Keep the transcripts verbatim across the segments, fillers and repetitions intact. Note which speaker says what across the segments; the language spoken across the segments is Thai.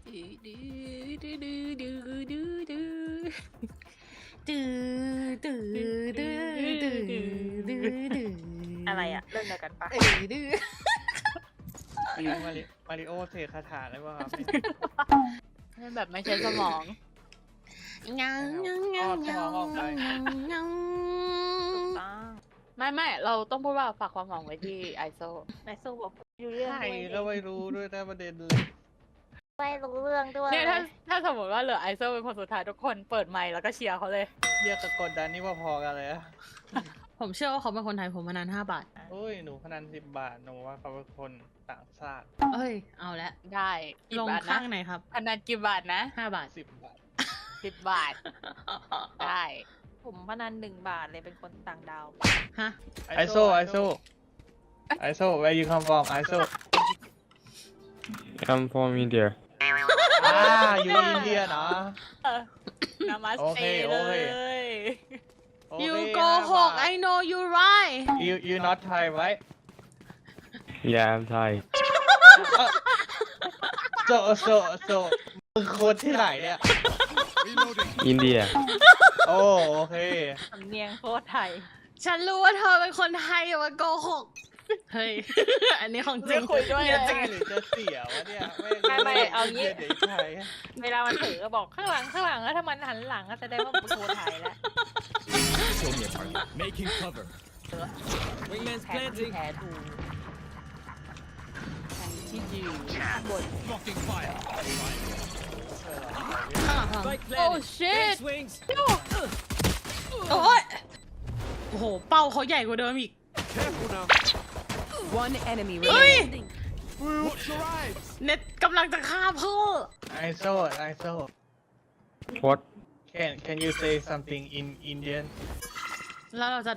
Speaker 1: อะไรอะเรื่องเดียวกันปะ
Speaker 2: มีมาริมาริโอเสกคาถาได้ป่ะครับ
Speaker 1: นี่แบบไม่ใช้สมองยังยังยังยังยังไม่ไม่เราต้องพูดว่าฝากความหวังไว้ที่ไอโซไอโซบอกอยู่เรื่อง
Speaker 2: ใช่ก็ไม่รู้ด้วยนะประเด็นเลย
Speaker 1: ไม่รู้เรื่องด้วยเนี่ยถ้าถ้าสมมติว่าเหลือไอโซเป็นคนสุดท้ายทุกคนเปิดไมค์แล้วก็เชียร์เขาเลย
Speaker 2: เรียกกับกดดันนี่ว่าพอกันเลยอะ
Speaker 3: ผมเชื่อว่าเขาเป็นคนไทยผมมานานห้าบาท
Speaker 2: โอ้ยหนูพนันสิบบาทหนูว่าเขาเป็นคนต่างชาติ
Speaker 3: เอ้ย เอาละ
Speaker 1: ได้กี่
Speaker 3: ลง
Speaker 1: บาท
Speaker 3: ข้า
Speaker 1: นะ
Speaker 3: งไหนครับ
Speaker 1: พนันกี่บาทนะ
Speaker 3: ห้าบาท
Speaker 2: สิบบาท
Speaker 1: สิบบาทได้ผมพนันหนึ่งบาทเลยเป็นคนต่างดาว
Speaker 3: ฮะ
Speaker 2: ไอโซไอโซไอโซ where you come from ไอโซ
Speaker 4: I'm from India
Speaker 2: อ่าอยู่อินเดียเนาะ
Speaker 1: นามาส
Speaker 2: โอ
Speaker 1: เต
Speaker 2: เคโอ
Speaker 1: เล
Speaker 2: เค
Speaker 1: ย
Speaker 2: โอเค
Speaker 3: you go หก I know you right
Speaker 2: you you not Thai right
Speaker 4: Yeah I'm Thai
Speaker 2: โซโซโซมึงคนที่ไหนเนี่ย
Speaker 4: India
Speaker 2: โอ้โอเค
Speaker 1: สำเนียงโคตรไทย
Speaker 3: ฉันรู้ว่าเธอเป็นคนไทยอย่ามาโกหก เฮ้ย อันนี้ของจริง
Speaker 1: ไม่คุยด้วย
Speaker 3: เนี่
Speaker 1: เลย
Speaker 3: จริง
Speaker 2: หรือจะเสียวะเนี่ย
Speaker 1: ไม่ไม่เอางี้
Speaker 2: เด็กไทย
Speaker 1: เวลามันถือก็บอกข้างหลังข้างหลังแล้วถ้ามันหันหลังก็แสดงว่ามันเป็นโคตรไทยแล้ว
Speaker 5: Show me a target. Making cover. Wingman's
Speaker 1: แพ้ที่
Speaker 5: planting.
Speaker 1: แพ้ดูแพ้ที่ยืนบน
Speaker 5: Blocking fire.
Speaker 3: ข้างหลังข้างหลัง
Speaker 5: Spike
Speaker 1: โอ้
Speaker 5: planted.
Speaker 1: shit
Speaker 5: Big swings.
Speaker 3: โอ้ยโอ้โห เป้าเขาใหญ่กว่าเดิมอีก
Speaker 5: Careful now.
Speaker 6: One enemy
Speaker 3: เฮ้ย
Speaker 6: remaining.
Speaker 5: Watch your eyes.
Speaker 3: เน็ตกำลังจะฆ่าพ่อ
Speaker 2: ไอโซไอโซ
Speaker 4: What
Speaker 2: can can you say something in Indian
Speaker 3: แล้วเราจะ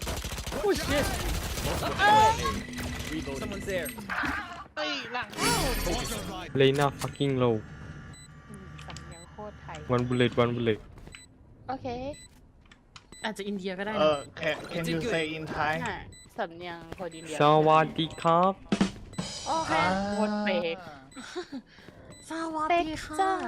Speaker 5: Someone's there.
Speaker 2: เฮ้ยหลัง
Speaker 4: Lena fucking low
Speaker 1: สำเนียงโคตรไทย
Speaker 4: one bullet one bullet
Speaker 1: โอเค
Speaker 3: อาจจะอินเดียก็ได้
Speaker 2: เอ
Speaker 3: นะ
Speaker 2: อ can can you say in Thai
Speaker 1: ใช่สำเนียงคนอินเดีย
Speaker 4: สวัสดีครับ
Speaker 1: โอเค
Speaker 2: อ่า
Speaker 1: โคตรเป๊ก
Speaker 3: สวัส
Speaker 1: เป๊ก
Speaker 3: ดีค่ะ
Speaker 1: จ้า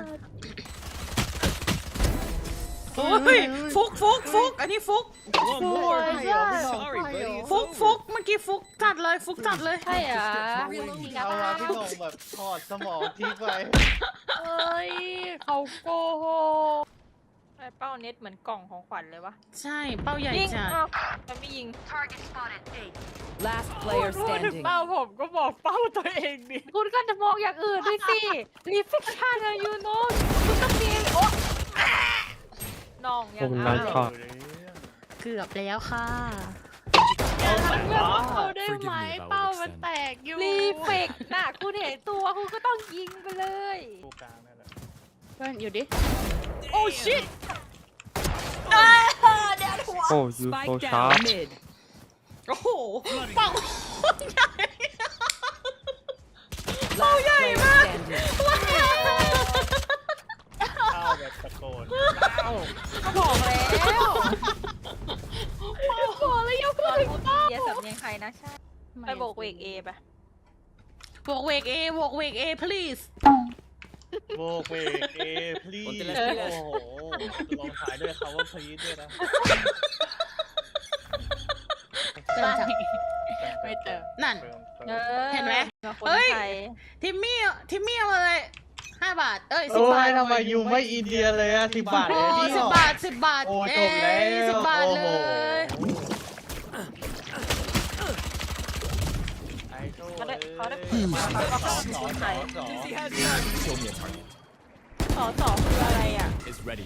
Speaker 3: โอ้ยฟุกฟุกฟุกอันนี้ฟุก
Speaker 5: One more.
Speaker 1: Yeah.
Speaker 5: Sorry, buddy. It's
Speaker 3: ฟุก
Speaker 5: over.
Speaker 3: ฟุกเมื่อกี้ฟุกจัดเลยฟุกจัดเลย
Speaker 1: ใช่เหรอ
Speaker 2: เอามาพี่หนงแบบถอดสมองทิ้งไป
Speaker 1: เอ้ยเขาโกหกไอ้เป้าเน็ตเหมือนกล่องของขวัญเลยวะ
Speaker 3: ใช่เป้าใหญ่
Speaker 1: ยิง
Speaker 3: จัด
Speaker 1: อ้าวมันไม่ยิง
Speaker 6: Last player
Speaker 1: พูดถึง
Speaker 6: standing.
Speaker 1: เป้าผมก็บอกเป้าตัวเองดิคุณก็จะมองอย่างอื่นด้วยสิรีฟิกชันอะยูโน่คุณต้องมีโอ้น้องยัง
Speaker 4: ผม
Speaker 1: เอา
Speaker 4: ได้ค่ะ
Speaker 3: เกือบแล้วค่ะ
Speaker 1: อย่าทำเพื่อนเขาได้ไหม
Speaker 5: Forgive me if I
Speaker 1: เป้า
Speaker 5: would
Speaker 1: มัน
Speaker 5: extend.
Speaker 1: แตกอยู่รีเฟกน่ะคุณเห็นตัวคุณก็ต้องยิงไปเลย
Speaker 2: ดูกลางนั่นแหละ
Speaker 1: เพื่อนอยู่ดิ โอ้ชิต
Speaker 4: Oh you so
Speaker 6: Spike
Speaker 4: sharp
Speaker 6: down mid.
Speaker 3: โอ้โหเป้าใหญ่
Speaker 6: Last player standing.
Speaker 2: เข้าแบบตะโกนเข้า
Speaker 1: ก็บอกแล้วบอกแล้วยังพูดถึงเป้าเยสำเนียงใครนะใช่ไปโบกเวกเอปะ
Speaker 3: บวกเวกเอบวกเวกเอ please
Speaker 2: โบกเวกเอ please
Speaker 5: คนจะ
Speaker 2: โอ้
Speaker 5: เล่น
Speaker 2: โหลงท้ายด้วยคำว่า please ด้วยนะ
Speaker 3: เติมจ้ะ
Speaker 1: ไม่เติม
Speaker 3: นั่น
Speaker 2: เติม
Speaker 1: เอ
Speaker 2: เติม
Speaker 1: อ
Speaker 3: เห็นไหม
Speaker 1: คน
Speaker 3: เฮ้ย
Speaker 1: ไทย
Speaker 3: ทิมมี่ทิมมี่เอามาเลยห้าบาท เอ้ยสิ
Speaker 2: โอ้
Speaker 3: บบาท
Speaker 2: ยทำไมยูไม่อินเดียเลยอะสิบบาท
Speaker 3: โอ้
Speaker 2: เองนี่
Speaker 3: สิ
Speaker 2: หร
Speaker 3: บ
Speaker 2: อบ
Speaker 3: าทสิบบาท
Speaker 2: โอ้
Speaker 3: เอ้
Speaker 2: จบแล้ว
Speaker 3: ยสิบบาทเล
Speaker 2: โอ้โห
Speaker 3: ย
Speaker 2: ไอโซ่
Speaker 1: เขาได้เขาได้
Speaker 2: อ้
Speaker 1: เปิดมาเขาก็เข้า
Speaker 2: สอ
Speaker 1: คน
Speaker 2: ส
Speaker 1: ไท
Speaker 2: อย สอ
Speaker 5: Dizzy has none. Show me a target.
Speaker 1: สอสอคืออะไรอ่ะ
Speaker 5: It's ready.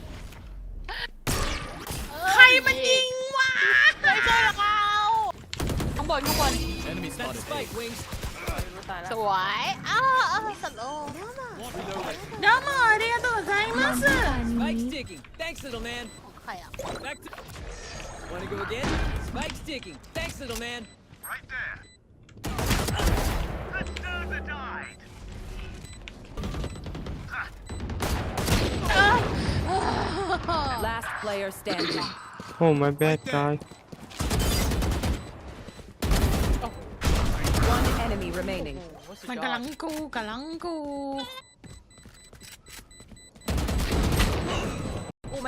Speaker 3: ใครมันยิงวะ
Speaker 1: ไม่ใช่เราข้างบนข้างบน
Speaker 5: Enemy spotted. Spike wings.
Speaker 1: รู้ตายแล้วสวยอ้าวอ้าวสโลว์
Speaker 3: เดี๋ยวมาありがとうございます
Speaker 5: Spike sticking. Thanks, little man.
Speaker 1: ใครอ่ะ
Speaker 5: Back to. Wanna go again? Spike sticking. Thanks, little man.
Speaker 6: Last player standing.
Speaker 4: Oh my bad guy
Speaker 6: One enemy remaining.
Speaker 3: มันกำลังกูกำลังกู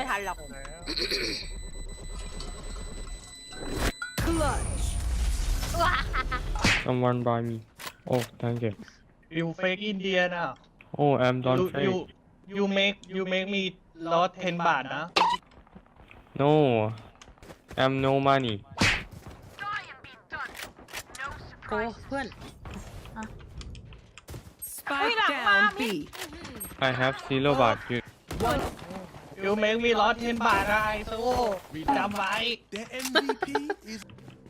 Speaker 1: ทันหรอก
Speaker 4: someone buy me oh thank you
Speaker 2: you fake Indian อ่ะ
Speaker 4: oh I'm not
Speaker 2: you
Speaker 4: fake
Speaker 2: you you make you make me lost ten บาทนะ
Speaker 4: no I'm no money
Speaker 3: โอ้เพื่อน
Speaker 6: Spike down B.
Speaker 4: I have zero baht you
Speaker 6: One.
Speaker 2: you make me lost ten บาทนะไอโซจำไว้
Speaker 5: The M V P is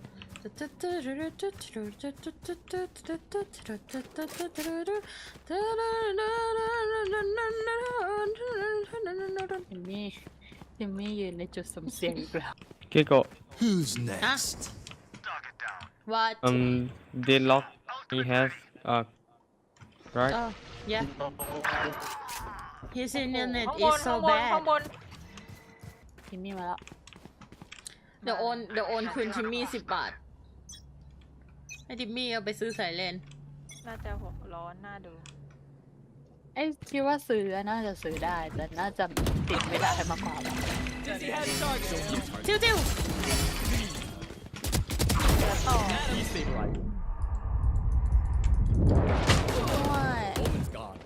Speaker 1: จิมมี่จิมมี่ยืนในจุดสมเสียงอีกแล้ว
Speaker 4: Kiko
Speaker 5: who's next?
Speaker 3: what
Speaker 4: um they lock he has uh right
Speaker 3: oh yeah his internet
Speaker 1: ข้างบ
Speaker 3: is
Speaker 1: น
Speaker 3: so
Speaker 1: ข้างบน
Speaker 3: bad
Speaker 1: ข้างบนจิมมี่มาแล้ว
Speaker 3: เดี๋ยวโอนเดี๋ยวโอนคืนทิมมี่สิบบาท ให้ทิมมี่เอาไปซื้อสายเลน
Speaker 1: น่าจะหัวร้อนน่าดูไอ้คิดว่าซื้อน่าจะซื้อได้ แต่น่าจะติดไม่ได้มากกว่า
Speaker 3: จิ้วจิ้ว
Speaker 5: Destabilize.
Speaker 1: ด้วย
Speaker 5: Omen's gone.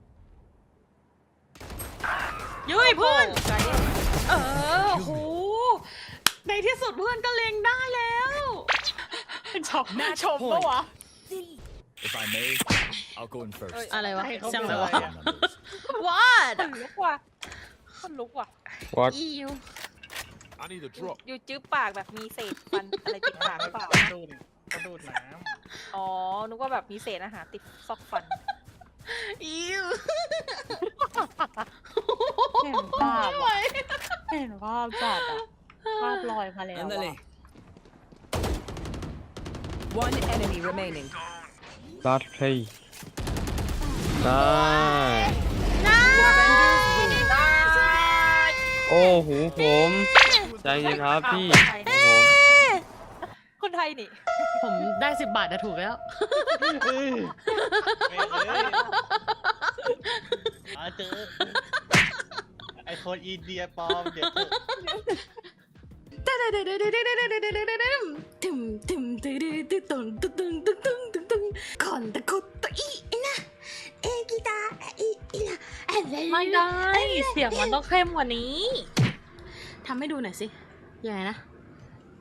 Speaker 3: ยุ้ยเพื่อน เออโห ในที่สุดเพื่อนก็เล็งได้แล้ว
Speaker 1: ชมชมปะวะ
Speaker 5: If I may, I'll go in first.
Speaker 3: อะไรวะ
Speaker 2: ให้เขา
Speaker 3: ช่าง
Speaker 2: เป็
Speaker 3: เล
Speaker 2: น
Speaker 3: ย
Speaker 2: อะไร
Speaker 3: วะ
Speaker 2: อ่ะ
Speaker 5: Numbers.
Speaker 3: what
Speaker 1: คนลุกว่ะคนลุกว่ะ
Speaker 4: what
Speaker 3: อิว
Speaker 5: I need a drop.
Speaker 1: อยู่จื้อปากแบบมีเศษฟันอะไรติดปากหรือเปล่า
Speaker 2: ดูดเขาดูดน้
Speaker 1: อ๋อ นึกว่าแบบมีเศษอาหารติดซอกฟัน
Speaker 3: อิว
Speaker 1: เห็นภาพอะเห็นภาพจัดอะภาพลอยมาแล้วอะ
Speaker 5: Ándale.
Speaker 6: One enemy remaining.
Speaker 4: last play nice โอ้โหผมใจเย็นครับพี่โอ้โห
Speaker 1: คนไทยนี่
Speaker 3: ผมได้สิบบาทจะถูกแล้ว
Speaker 2: ำไม่เลยอาเจอไอคนอินเดียปลอมเดี๋ยวเถอะ
Speaker 3: ตึมตึมตึมตึมตึมตึมตึมตึมตึมตึมตึมคอนตะคุตตะอีนะเอกิตาอีอีนะอะไร
Speaker 1: ไม่ได้ เสียงมันต้องเข้มกว่านี้
Speaker 3: ทำให้ดูหน่อยสิ ยังไงนะ